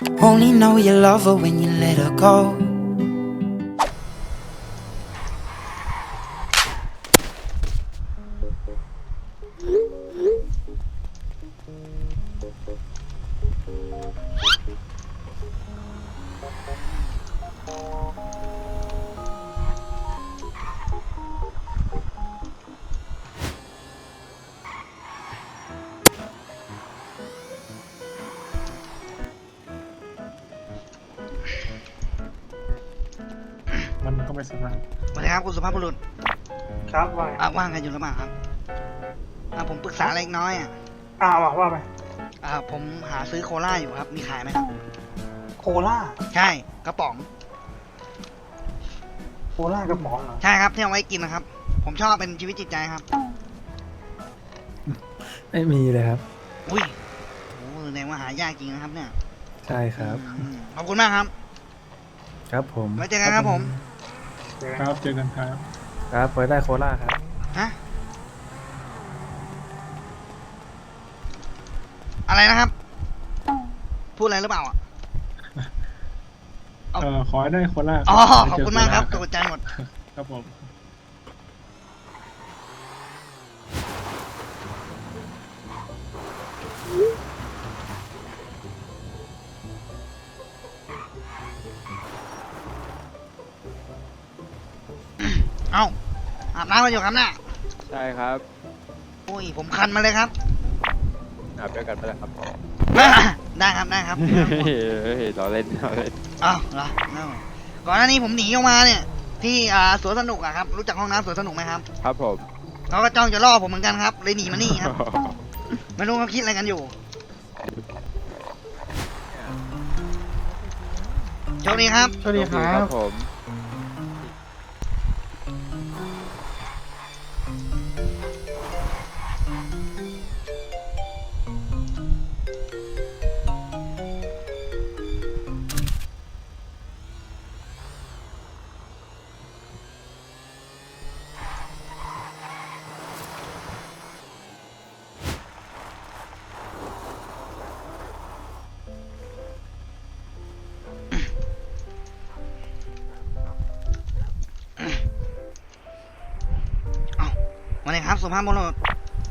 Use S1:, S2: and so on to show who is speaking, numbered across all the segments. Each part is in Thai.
S1: Only know you love her when you let her go.
S2: มันก็ไม่สบาย
S3: สวัสดีครับคุณสุภาพบุรุษ
S2: ครับว่า
S3: ว่างกันอยู่หรือเปล่าครับผมปรึกษาอะไรเล็กน้อย
S2: ว่าไป
S3: ผมหาซื้อโคลาอยู่ครับมีขายไหมครับ
S2: โคล่า
S3: ใช่กระป๋อง
S2: โคล่ากระป๋องเหรอ
S3: ใช่ครับที่เอาไว้กินนะครับ ผมชอบเป็นชีวิตจิตใจครับ
S4: ไม่มีเลยครับ
S3: อุ้ยโอ้แสดงว่าหายากจริงนะครับเนี่ย
S4: ใช่ครับ
S3: ขอบคุณมากครับ
S4: ครับผม
S3: ไว้เจอกันครับผม
S2: ครับเจอกันครับ
S4: ครับไว้ได้โคราชครับ
S3: ฮะอะไรนะครับ พูดอะไรหรือเปล่าอ่ะ
S2: ขอให้ได้โคล่า
S3: อ๋อขอบคุณมากครับตกใจหมด
S2: ครับผม
S3: เอ้าอาบน้ำมาอยู่ครับน่ะ
S5: ใช่ครับ
S3: อุ้ยผมคันมาเลยครับ
S5: อาบด้วยกันไปแล้วครับ
S3: ได้ครับได้ครับ
S5: เฮ้ยเราเล่นเราเล่น
S3: อ้าวเหรอเอาก่อนหน้านี้ผมหนีออกมาเนี่ย ที่สวนสนุกอะครับ รู้จักห้องน้ำสวนสนุกไหมครับ
S5: ครับผม
S3: เขาก็จ้องจะล่อผมเหมือนกันครับ เลยหนีมานี่ครับ ไม่รู้เขาคิดอะไรกันอยู่โชคดีครับ
S2: สวัสดีครั
S5: ครับ บผม
S3: เอ้ามาเลยครับสุภาพบุรุษ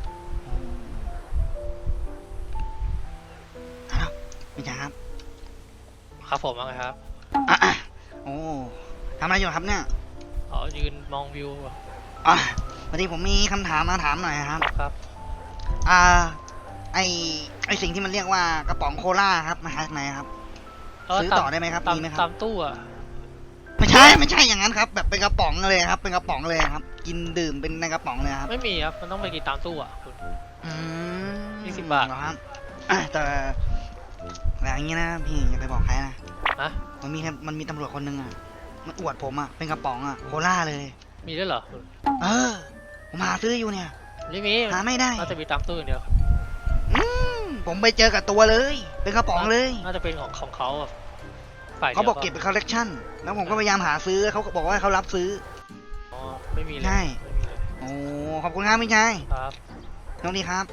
S3: ฮัลโหลไม่ใช่ครับ
S6: ครับผมว่าไงครับ
S3: โอ้ทำอะไรอยู่ครับเนี่ย
S6: อ๋อยืนมองวิว
S3: พอดีผมมีคำถามมาถามหน่อยครับ
S6: ครับ
S3: อ่า ไอสิ่งที่มันเรียกว่ากระป๋องโคลาครับมาหาจากไหนครับ ซื้อต่อได้ไหมครับ
S6: ตาม
S3: มีไหมครับ
S6: ตามตู้อ่ะ
S3: ไม่ใช่อย่างนั้นครับ แบบเป็นกระป๋องเลยครับ เป็นกระป๋องเลยครับ กินดื่มเป็นในกระป๋องเลยครับ
S6: ไม่มีครับ มันต้องไปกินตามตู้อ่ะคุณ
S3: อืม
S6: 20 บาท
S3: เหรอครับแต่อย่างนี้นะพี่อย่าไปบอกใครนะ
S6: นะ
S3: มันมีตำรวจคนหนึงอ่ะมันอวดผมอ่ะเป็นกระป๋องอ่ะโคลาเลย
S6: มีด้วยเหรอคุณ
S3: ผมหาซื้ออยู่เนี่ย
S6: ไม่มี
S3: หาไม่ได้
S6: น่าจะมีตามตู้อย่างเดียวครับ
S3: ผมไปเจอกับตัวเลย เป็นกระป๋องเลย
S6: น่าจะเป็นของเขาอ่ะฝ่ายดียว
S3: เขาบอกเก็บเป็นคอลเลกชันแล้วผมก็พยายามหาซื้อเขาก็บอกว่าเขารับซื้อ
S6: อ๋อไม่มีเลย
S3: ใช่
S6: ไม่มีเลย
S3: โอ้ขอบคุณครับพี่ชาย
S6: ครับ
S3: น้องดีครับ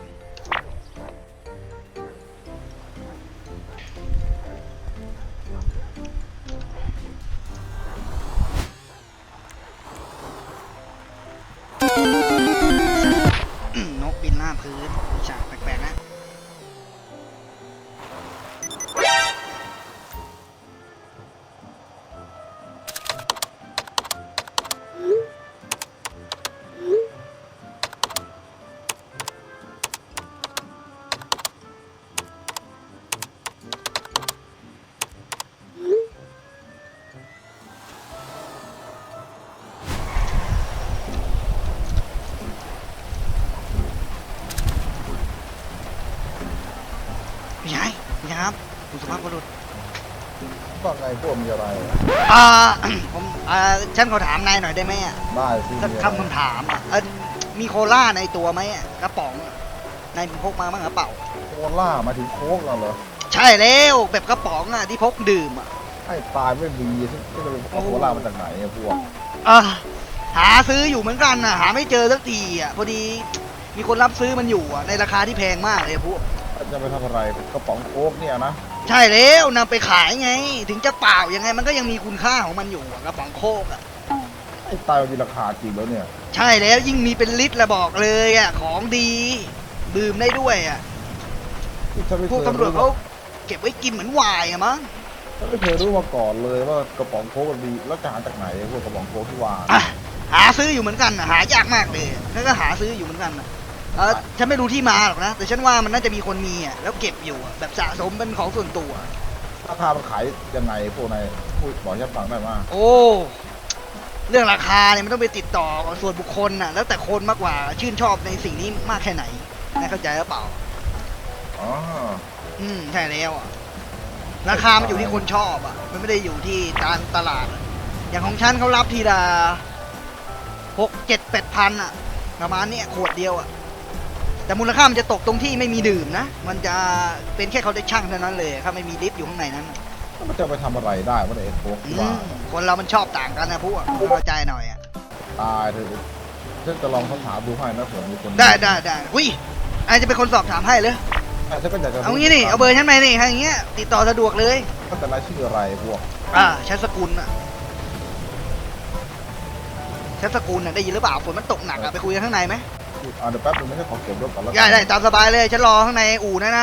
S3: นกบินหน้าพื้นฉากแปลกๆนะพี่ชายครับคุณสุภาพบุรุษ
S7: ว่าไงพวกมีอะไร
S3: ผมฉันขอถามนายหน่อยได้ไหมอ่ะ
S7: ได้สิ
S3: สัก
S7: มีอะไร
S3: คำถามอ่ะมีโคล่าในตัวไหมอะกระป๋องอะนายพกมาบ้างหรือเปล่า
S7: โคล่ามาถึงโค้กแล้วเหรอ
S3: ใช่แล้วแบบกระป๋องอ่ะที่พกดื่มอ่ะ
S7: ให้ตายไม่มีที่จะไปเอาโคล่ามาจากไหนอะพวก
S3: หาซื้ออยู่เหมือนกันอ่ะหาไม่เจอสักทีอ่ะพอดีมีคนรับซื้อมันอยู่อ่ะในราคาที่แพงมากเลยพวก
S7: ถจะไปทำอะไรกระป๋องโค้กเนี่ยนะ
S3: ใช่แล้วนำไปขายไง ถึงจะเปล่ายังไงมันก็ยังมีคุณค่าของมันอยู่อะกระป๋องโคกอะ
S7: ไอ้ตายมันมีราคาจริงแล้วเนี่ย
S3: ใช่แล้วยิ่งมีเป็นลิตรละบอกเลยอะของดีดื่มได้ด้วยอะ
S7: ฉันไม่
S3: พวก
S7: เคย
S3: ตำรวจ
S7: รู้
S3: เขาเก็บไว้กินเหมือนไวน์อะมั้ง
S7: ฉันไม่เคยรู้มาก่อนเลยว่ากระป๋องโค้กมันมีแล้วจะหาจากไหนพวกกระป๋องโค้กที่ว่า
S3: อ่ะหาซื้ออยู่เหมือนกันอะหายากมากเลยแล้วก็หาซื้ออยู่เหมือนกันอะฉันไม่รู้ที่มาหรอกนะ แต่ฉันว่ามันน่าจะมีคนมีอะแล้วเก็บอยู่อะแบบสะสมเป็นของส่วนตัว
S7: ราคามันขายยังไงพวกนายพูดบอกให้ฉันฟังได้มา
S3: โอ้เรื่องราคาเนี่ยมันต้องไปติดต่อกับส่วนบุคคลน่ะแล้วแต่คนมากกว่าชื่นชอบในสิ่งนี้มากแค่ไหนนายเข้าใจหรือเปล่า
S7: อ๋อ
S3: ใช่แล้วอะราคามันอยู่ที่คนชอบอ่ะมันไม่ได้อยู่ที่การตลาดอะอย่างของฉันเขารับทีละ6-7-8 พันอ่ะประมาณเนี้ยขวดเดียวอ่ะแต่มูลค่ามันจะตกตรงที่ไม่มีดื่มนะมันจะเป็นแค่เขาได้ช่างเท่านั้นเลยครับไม่มีลิฟต์อยู่ข้างในนั้นน่ะ
S7: แล้วมันจะไปทำอะไรได้วะเนี่ยไอ้โค้กที่ว่า
S3: คนเรามันชอบต่างกันนะพวกเข้าใจหน่อยอ่ะ
S7: ตายเถอะฉันจะลองคำถามดูให้นะเผื่อมีคน
S3: ได้อุ้ยไอจะเป็นคนสอบถามให้เลย
S7: ฉันก็อยากจะ
S3: เอางี้นี่เอาเบอร์ฉันไปนี่อย่างเงี้ยติดต่อสะดวกเลย
S7: ก็แต่นายชื่ออะไรพวก
S3: ใช้สกุลอ่ะใช้สกุลอ่ะได้ยินหรือเปล่าฝนมันตกหนักอ่ะไปคุยกันข้างในไหม
S7: เดี๋ยวแป๊บนึงไม่ใช่ขอเก็บรถก่อนแล้ว
S3: ได้ตามสบายเลยฉันรอข้างในอู่นะ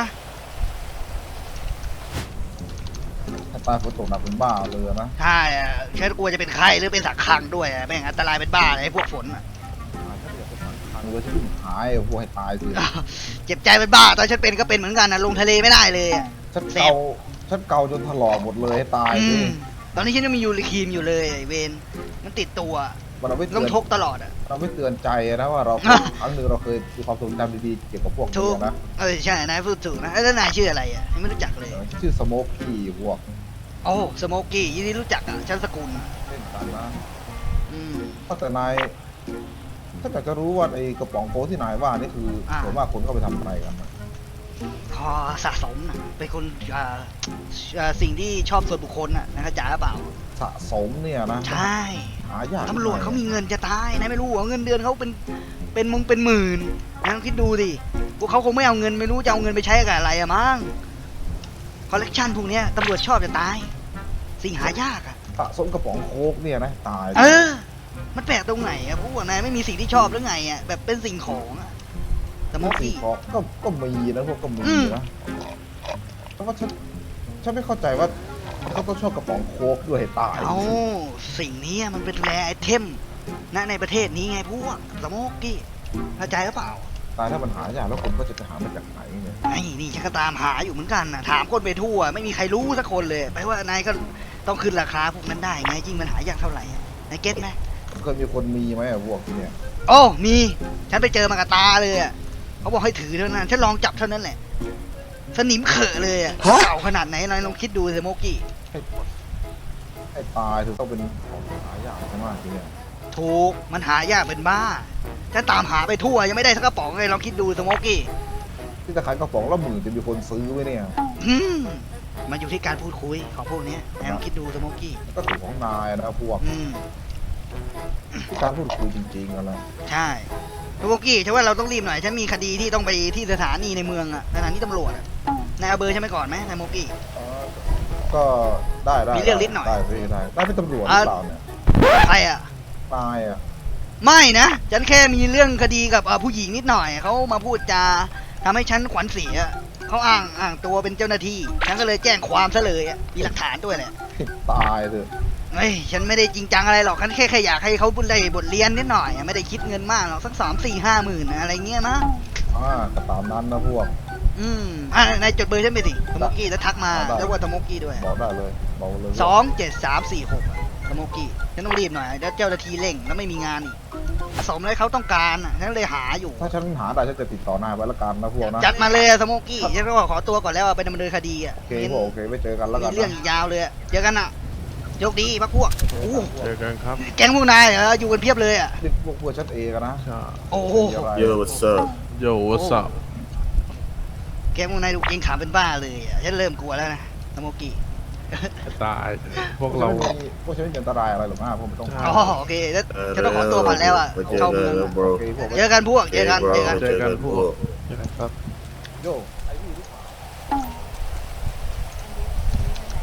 S7: ถ้าตายฝนตกหนักเป็นบ้าเลยนะ
S3: ใช่อะฉันกลัวจะเป็นไข้หรือเป็นสักคังด้วยอะแม่งอันตรายเป็นบ้าเลยไอ้พวกฝนอ่ะ
S7: ถ้าอยากจะสั่งทางเลยฉันวิ่งหายพวกให้ตายสิ
S3: เจ็บใจเป็นบ้าตอนฉันเป็นก็เป็นเหมือนกันนะลงทะเลไม่ได้เลยอะ
S7: ฉันเกาจนถลอกหมดเลยให้ตายสิ
S3: ตอนนี้ฉันยังมียูริคีมอยู่เลยไอ้เวนมันติดตัว
S7: มันเอาไว้เตื
S3: ต้อ
S7: อง น
S3: ชกตลอดอ่ะ
S7: เราไม่เตือนใจนะว่าเรา ครั้งหนึ่งเราเคยมีความทรงจำดีๆเกี่ยวกับพวก
S3: ถู
S7: นี้
S3: ก
S7: นะ
S3: ใช่นายพูดถูกนะแล้วนายชื่ออะไรอ่ะยังไม่รู้จักเลย
S7: ชื่อสโมกกี้พวก
S3: โอ้สโมกี้ยินดีรู้จักอ่ะฉันสกุล
S7: เล่นกันนะ
S3: อืม
S7: แต่นายถ้าอยากจะรู้ว่าไอ้กระป๋องโค้กที่นายว่านี่คือส่วนมากคนเข้าไปทำอะไรกันนะ
S3: พอสะสมนะเป็นคนสิ่งที่ชอบส่วนบุคคลน่ะนะเข้าใจหรือเปล่า
S7: สะสมเนี่ยนะ
S3: ใช่
S7: หายาก
S3: ตำรวจเขามีเงินจะตายนะไม่รู้เหรอเงินเดือนเขาเป็นหมื่นนะลองคิดดูดิพวกเขาคงไม่เอาเงินไม่รู้จะเอาเงินไปใช้กับอะไรอะมั้งคอลเลกชันพวกเนี้ยตำรวจชอบจะตาย สิ่งหายากอะ
S7: สะสมกระป๋องโค้กเนี่ยนะตาย
S3: มันแปลกตรงไหนอะพวกนายไม่มีสิ่งที่ชอบหรือไงอะแบบเป็นสิ่งของอะสโม
S7: สิ่ง
S3: กี้
S7: ของก็มีนะพวกก็มีนะแต่ว่าฉันไม่เข้าใจว่าเขาต้องชอบกระป๋องโค้กด้วยให้ตาย
S3: เอาสิ่งนี้มันเป็นแรไอเทมนะในประเทศนี้ไงพวกสโมกี้เข้าใจหรือเปล่า
S7: ตายถ้ามันหายากแล้วคนก็จะไปหามาจากไหนเนี่ย
S3: ไอ้นี่ฉันก็ตามหาอยู่เหมือนกันนะถามคนไปทั่วไม่มีใครรู้สักคนเลยไปว่านายก็ต้องขึ้นราคาพวกนั้นได้ไงจริงมันหายากเท่าไหร่อะนายเก็ตไหม
S7: เคยมีคนมีไหมอะพวกเนี่ย
S3: โอ้มีฉันไปเจอมากับตาเลยอะเขาบอกให้ถือเท่านั้นฉันลองจับเท่านั้นแหละสนิมเขอะเลยอะเก่าขนาดไหนนายลองคิดดูสิโมกี้
S7: ให้ตายถึงต้องเป็นของหายากมากทีเนี่ย
S3: ถูกมันหายากเป็นบ้าฉันตามหาไปทั่วยังไม่ได้สักกระป๋องเลยลองคิดดูสโมกี้
S7: ที่จะขายกระป๋องละหมื่นจะมีคนซื้อไหมเนี่ย
S3: มันอยู่ที่การพูดคุยของพวกเนี้ยนายลองคิดดูสโมกี้
S7: ก็ถูกของนายนะพวกที่การพูดคุยจริงๆกันนะ
S3: ใช่สโมกี้ฉันว่าเราต้องรีบหน่อยฉันมีคดีที่ต้องไปที่สถานีในเมืองอะสถานีตำรวจอะนายเอาเบอร์ฉันไปก่อนไหมนายโมกี้
S7: ก็ได้
S3: มีเรื่องนิดหน่อย
S7: ได้เป็นตำรวจหรือเปล่าเนี่ย
S3: ใครอะ
S7: นายอ่ะ
S3: ไม่นะฉันแค่มีเรื่องคดีกับผู้หญิงนิดหน่อยเขามาพูดจาทำให้ฉันขวัญเสียเขาอ้างตัวเป็นเจ้าหน้าที่ฉันก็เลยแจ้งความซะเลยอะมีหลักฐานด้วยแหละ
S7: ตายเถอะ
S3: เฮ้ยฉันไม่ได้จริงจังอะไรหรอกฉันแค่อยากให้เขาได้บทเรียนนิดหน่อยไม่ได้คิดเงินมากหรอกสัก3-4-5 หมื่นอะไรเงี้ยนะ
S7: ก็ตามนั้นนะพวก
S3: นายจดเบอร์ฉันไปสิสโมกกี้แล้วทักมาแล้วว่าสโมกกี้ด้วย
S7: บอกได้เลยบอกเลย
S3: 27346สโมกกี้ฉันต้องรีบหน่อยแล้วเจ้าหน้าที่เร่งแล้วไม่มีงานอีกสมเลยเขาต้องการฉันเลยหาอยู่
S7: ถ้าฉันหาได้ฉันจะติดต่อนายไว้ละกันนะพวกนะ
S3: จัดมาเลยสโมกกี้ฉันก็ขอตัวก่อนแล้วไปดำเนินคดีอ่ะ
S7: โอเคพวกโอเคไว้เจอกันแล้วกั
S3: มี
S7: น
S3: เรื่องอีกยาวเลยเจอกันอ่ะโชคดีพักพวก
S4: เจอกันครับ
S3: แก๊งพวกนายเหรออยู่กันเพียบเลยอ่ะ
S7: นี่พวกฉันเองอะนะ
S4: ใช่
S3: โอ้โห
S8: Yo, what's up?
S4: โย่วัสบ
S3: แก๊งพวกนายดูเก่งขามเป็นบ้าเลยอ่ะฉันเริ่มกลัวแล้วนะสโมกกี้
S4: ตายพวก
S7: เรา
S4: เรา
S7: พวกฉันไม่มีอันตรายอะไรหรอกนะพวกไม่ต้อง
S4: ใช่
S3: อ๋อโอเคแล้วฉันต้องขอตัวก่อนแล้วอ่ะเข้าเมืองอะ
S7: โอเคพวก
S3: เจอกันพวกเจอกัน
S8: bro.
S3: เจอกัน
S4: เจอกันพวก
S8: bro.
S4: ยังไงครับ
S7: โยไอ้นี่หรือเปล่า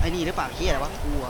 S3: อ้นี่หรือเปล่าเฮียอะไรวะกลัว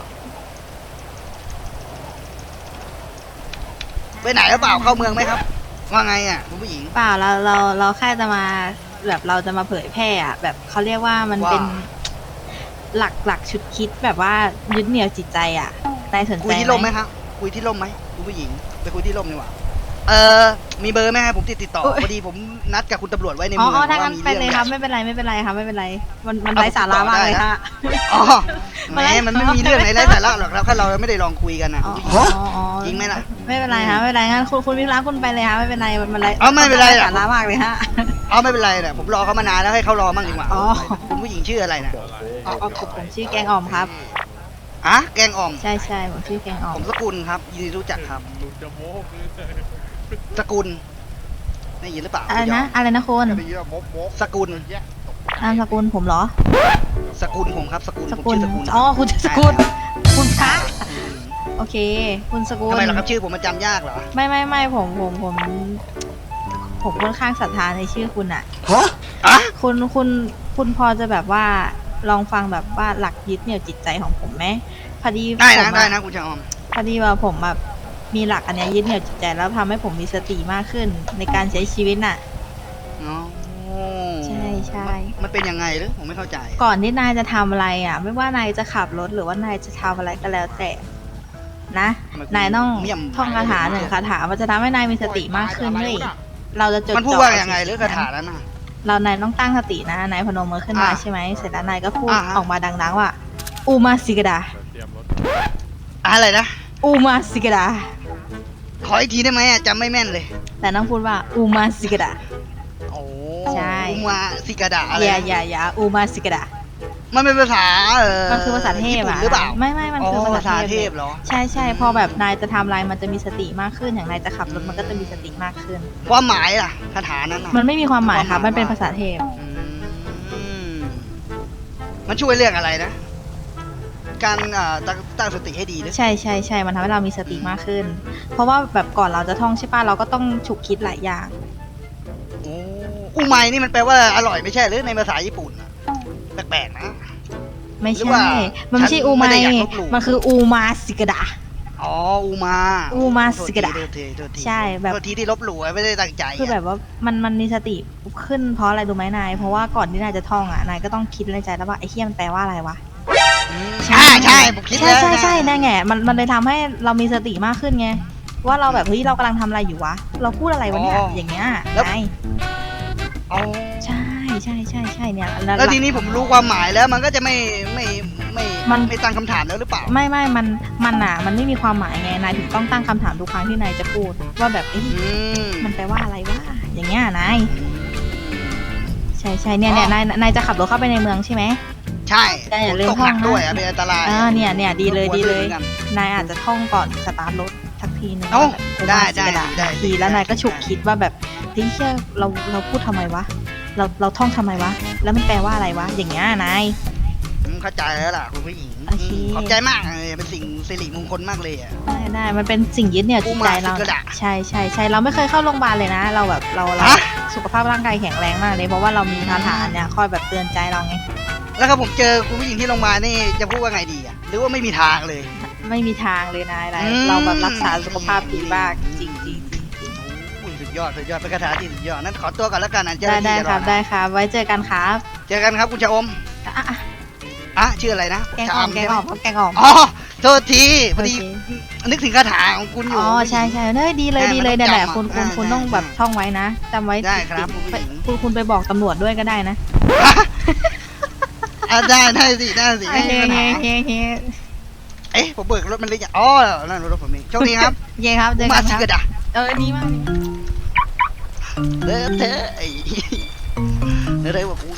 S3: ไปไหนหรือเปล่าเข้าเมืองไหมครับว่าไงอ่ะคุณผู้หญิง
S8: เปล่าเราแค่จะมาแบบเราจะมาเผยแพร่อะแบบเขาเรียกว่ามัน
S3: ว่า
S8: เป็นหลักชุดคิดแบบว่ายึดเหนี่ยวจิตใจอ่ะนายสน
S3: คุ
S8: ใจ
S3: ยที่ร่มไหมครับคุยที่ร่มไหมคุณผู้หญิงไปคุยที่ร่มดีกว่ามีเบอร์ไหมครับผมติดต่อพอดีผมนัดกับคุณตำรวจไว้ใน
S8: อ๋
S3: เมือง
S8: อถ้างั้น
S3: ว่ามี
S8: ไป
S3: เรื่อง
S8: เลย
S3: ให
S8: ครั
S3: ญ่
S8: บไม่เป็นไรครับไม่เป็นไรมัน
S3: เอา
S8: ไร้สาระ
S3: ผมติดต่อ
S8: มากเลย
S3: ได้นะ
S8: ฮะ
S3: อ๋อแหมมันไม่มีเรื่องไหนไร้สาระหรอกครับถ้าเราไม่ได้ลองคุยกันนะ
S8: อ๋อ
S3: คุณผู้หญิง
S8: อ๋อ
S3: จริงไหมล่ะ
S8: ไม่เป็นไรครับไม่เป็นไรงั้นคุณวิระคุณไปเลยครับไม่เป็นไรมันไร
S3: อ๋อไม่เป็นไรหรอก
S8: สาระมากเลยฮะ
S3: เอาไม่เป็นไรนะผมรอเขามานานแล้วให้เขารอมั่งดีกว่า
S8: อ๋อ
S3: คุณผู้หญิงชื่ออะไรนะ
S8: อ๋อผมชื่อแกงอ่อมครับ
S3: อะแกงอ่อม
S8: ใช่ผมชื่อแกงอ่อ
S3: ผม มสกุลครับยินดีรู้จักครับ
S4: ลุงจะโม้เลย
S3: สกุลได้ยินหรือเปล่า
S8: อะไรนะคุณ
S3: สกุล
S8: นามสกุลผมเหรอ
S3: สกุลผมครับสกุล
S8: ส
S3: ผม
S8: กุล
S3: ชื่อสกุล
S8: อ๋อคุณสกุลคุณพระโอเค คุณสกุล
S3: ทำไมล่ะครับชื่อผมมันจำยากเหรอ
S8: ไม่ผมค่อนข้างศรัทธาในชื่อคุณอ่ะ
S3: อะ
S8: คุณพอจะแบบว่าลองฟังแบบว่าหลักยึดเหนี่ยวจิตใจของผมไหมพอดี
S3: ได้
S8: ผ
S3: นะ
S8: ม
S3: ได้
S8: อะ
S3: นะคุณชะออม
S8: พอดีว่าผมแบบมีหลักอันเนี้ยยึดเหนี่ยวจิตใจแล้วทำให้ผมมีสติมากขึ้นในการใช้ชีวิตน่ะ
S3: อ๋อ
S8: ใช่
S3: มันเป็นยังไงหรือผมไม่เข้าใจ
S8: ก่อนที่นายจะทำอะไรอ่ะ ไม่ว่านายจะขับรถหรือว่านายจะทำอะไรก็แล้วแต่นะ นายต้อง
S3: เมี่ยม
S8: ท่องคาถาหนึ่งคาถามันจะทำให้นายมีสติมากขึ้นเลยเราจะจด
S3: มันพูด
S8: จ่อ
S3: ว่า
S8: กับ
S3: ยังไงหรือ
S8: สิ่
S3: คาถานั้นน่ะ
S8: นายต้องตั้งสตินะนายพนมมือขึ้นมา
S3: อ่ะ
S8: ใช่ไหมเสร็จแล้วนายก็พูด
S3: อ่าฮะ
S8: ออกมาดังๆว่าอูมาสิกดา
S4: เตรียมรถ
S3: อะไรนะ
S8: อูมาสิกดา
S3: ขออีกทีได้ไหมอะจำไม่แม่นเลย
S8: แต่ต้องพูดว่าอูมาสิกดา
S3: โอ้
S8: ใช่
S3: อุมาสิกาดะอะไร
S8: อย่าอูมาสิกดา
S3: มันเป็นภาษา
S8: มันคือภาษาเทพ
S3: ญี่ปุ่น
S8: อ่ะ
S3: หรือเปล่า
S8: ไม่มันคือภา
S3: ภาษา
S8: ษา
S3: เท
S8: เท
S3: พ
S8: พ
S3: เหรอ
S8: ใช่พอแบบนายจะทำอะไรมันจะมีสติมากขึ้นอย่างนายจะขับรถมันก็จะมีสติมากขึ้น
S3: ความหมายล่ะคาถานั้นน่ะ
S8: มันไม่มีความหมายครับ
S3: ความหมาย
S8: มันเป็นภาษาเทพ
S3: อืมมันช่วยเรื่องอะไรนะ การตั้งสติให้ดีหรือ
S8: ใช่มันทำให้เรามีสติมากขึ้น เพราะว่าแบบก่อนเราจะท่องใช่ป่ะเราก็ต้องฉุกคิดหลายอย่าง
S3: โอ้อูไมนี่มันแปลว่าอร่อยไม่ใช่หรือในภาษาญี่ปุ่นน่ะแปลกๆนะ
S8: ไม่
S3: หรือ
S8: ใช่
S3: ว่า
S8: มันไม่ใช่
S3: ฉัน
S8: อู
S3: ไม่
S8: ไม
S3: ได้อยากลบหลู่
S8: มันคืออูมาสิกดา
S3: อ๋ออูมา
S8: อูมาสิกะดะ
S3: โทษทีโทษที
S8: ใช่แบบ
S3: โทษทีที่ลบหลู่ไม่ได้ตั้งใจ
S8: คือแบบว่ามันมีสติขึ้นเพราะอะไรดูไหมนาย เพราะว่าก่อนที่นายจะท่องอ่ะนายก็ต้องคิดในใจแล้วว่าไอ้เฮียมันแปลว่าอะไรวะ
S3: ใช่ผมคิดแล้ว
S8: ใช่นั่นไงมันเลยทำให้เรามีสติมากขึ้นไงว่าเราแบบเฮ้ยเรากำลังทำอะไรอยู่วะเราพูดอะไรวะเนี่ยอย่างเงี้ยนาย
S3: อ๋อ
S8: ใช่เนี่ย
S3: แล้วทีนี้ผมรู้ความหมายแล้วมันก็จะไม่
S8: มัน
S3: ไม่ตั้งคำถามแล้วหรือเปล่า
S8: ไม่มันไม่มีความหมายไงนายถึงต้องตั้งคำถามทุกครั้งที่นายจะพูดว่าแบบเอ้ย
S3: อืม
S8: มันแปลว่าอะไรวะอย่างเงี้ยนายใช่เนี่ยนายจะขับรถเข้าไปในเมืองใช่ไหม
S3: ใช่
S8: แต่อย่าลืม
S3: ตกหนัก
S8: ท่องนะ
S3: ด้วยอะเป็นอันตราย
S8: เนี่ยดีเลย
S3: หัวลื่นหมือนกัน
S8: นายอาจจะท่องก่อนสตาร์ทรถสักทีนึง
S3: เอ้า
S8: แบบ
S3: ได้
S8: ประมาณ
S3: ได้
S8: 10ทีแล้วนายก็ฉุกคิดว่าแบบเฮ้ยเชื่อเราพูดทำไมวะเราท่องทำไมวะแล้วมันแปลว่าอะไรวะอย่างเงี้ยนาย
S3: เข้าใจแล้วล่ะคุณผู้หญิง
S8: โอเค
S3: ขอบใจมากเลยเป็นสิ่งสิริมงคลมากเลยอ่ะ
S8: ได้มันเป็นสิ่งยึดเหนี่ยวจิตใจเรา
S3: อูมาสิกะดะ
S8: ใช่เราไม่เคยเข้าโรงพยาบาลเลยนะ เราแบบเรา
S3: ฮะ
S8: สุขภาพร่างกายแข็งแรงมากเลยเพราะว่าเรามีคาถาเนี่ยคอยแบบเตือนใจเราไง
S3: แล้วครับผมเจอคุณผู้หญิงที่โรงพยาบาลนี่จะพูดว่าไงดีอ่ะหรือว่าไม่มีทางเลย
S8: ไม่มีทางเลยนาย
S3: อืม
S8: เราแบบรักษาสุขภาพดีมากจริง
S3: อุ้ยสุดยอดเป็นคาถาที่สุดยอดนั้นขอตัวก่อนแล้วกันนะเจ้าห
S8: ได้
S3: น้าที่จะร
S8: ครั
S3: อบ นะ
S8: ได้ครับ ไว้เจอกันครับ
S3: เจอกันครับคุณชะอม
S8: อ่ะ
S3: ชื่ออะไรนะ
S8: แกงอ่อม
S3: ชะ
S8: ครับแกงอ่อม
S3: อ๋อโทษทีพอดี
S8: โอเค
S3: นึกถึงคาถาของคุณอยู่
S8: อ๋อใช่เฮ้ยดีเลย
S3: ได้
S8: ดีเลย
S3: มันต้อง
S8: เนี่ยแหละ
S3: จำ
S8: คุณ
S3: อ่ะ
S8: คุณต้องแบบ
S3: ใช่
S8: ท่องไว้นะจำไว้
S3: ได้ครับ
S8: ติด
S3: คุณผู้หญิง
S8: คุณไปบอกตำรวจด้วยก็ได้นะ
S3: ได้สิไม่มีปัญหา
S8: เฮ้
S3: เอ๊ะผมเบิกรถมันเลยอย่างอ๋อนั่นรถผมเองโชคดีครับ
S8: เย้ครับเจอ
S3: มา
S8: กัน
S3: สิ
S8: ครับ
S3: กระดา
S8: ดีมาก
S3: เด้อเธอไอ้เด้อว่ากู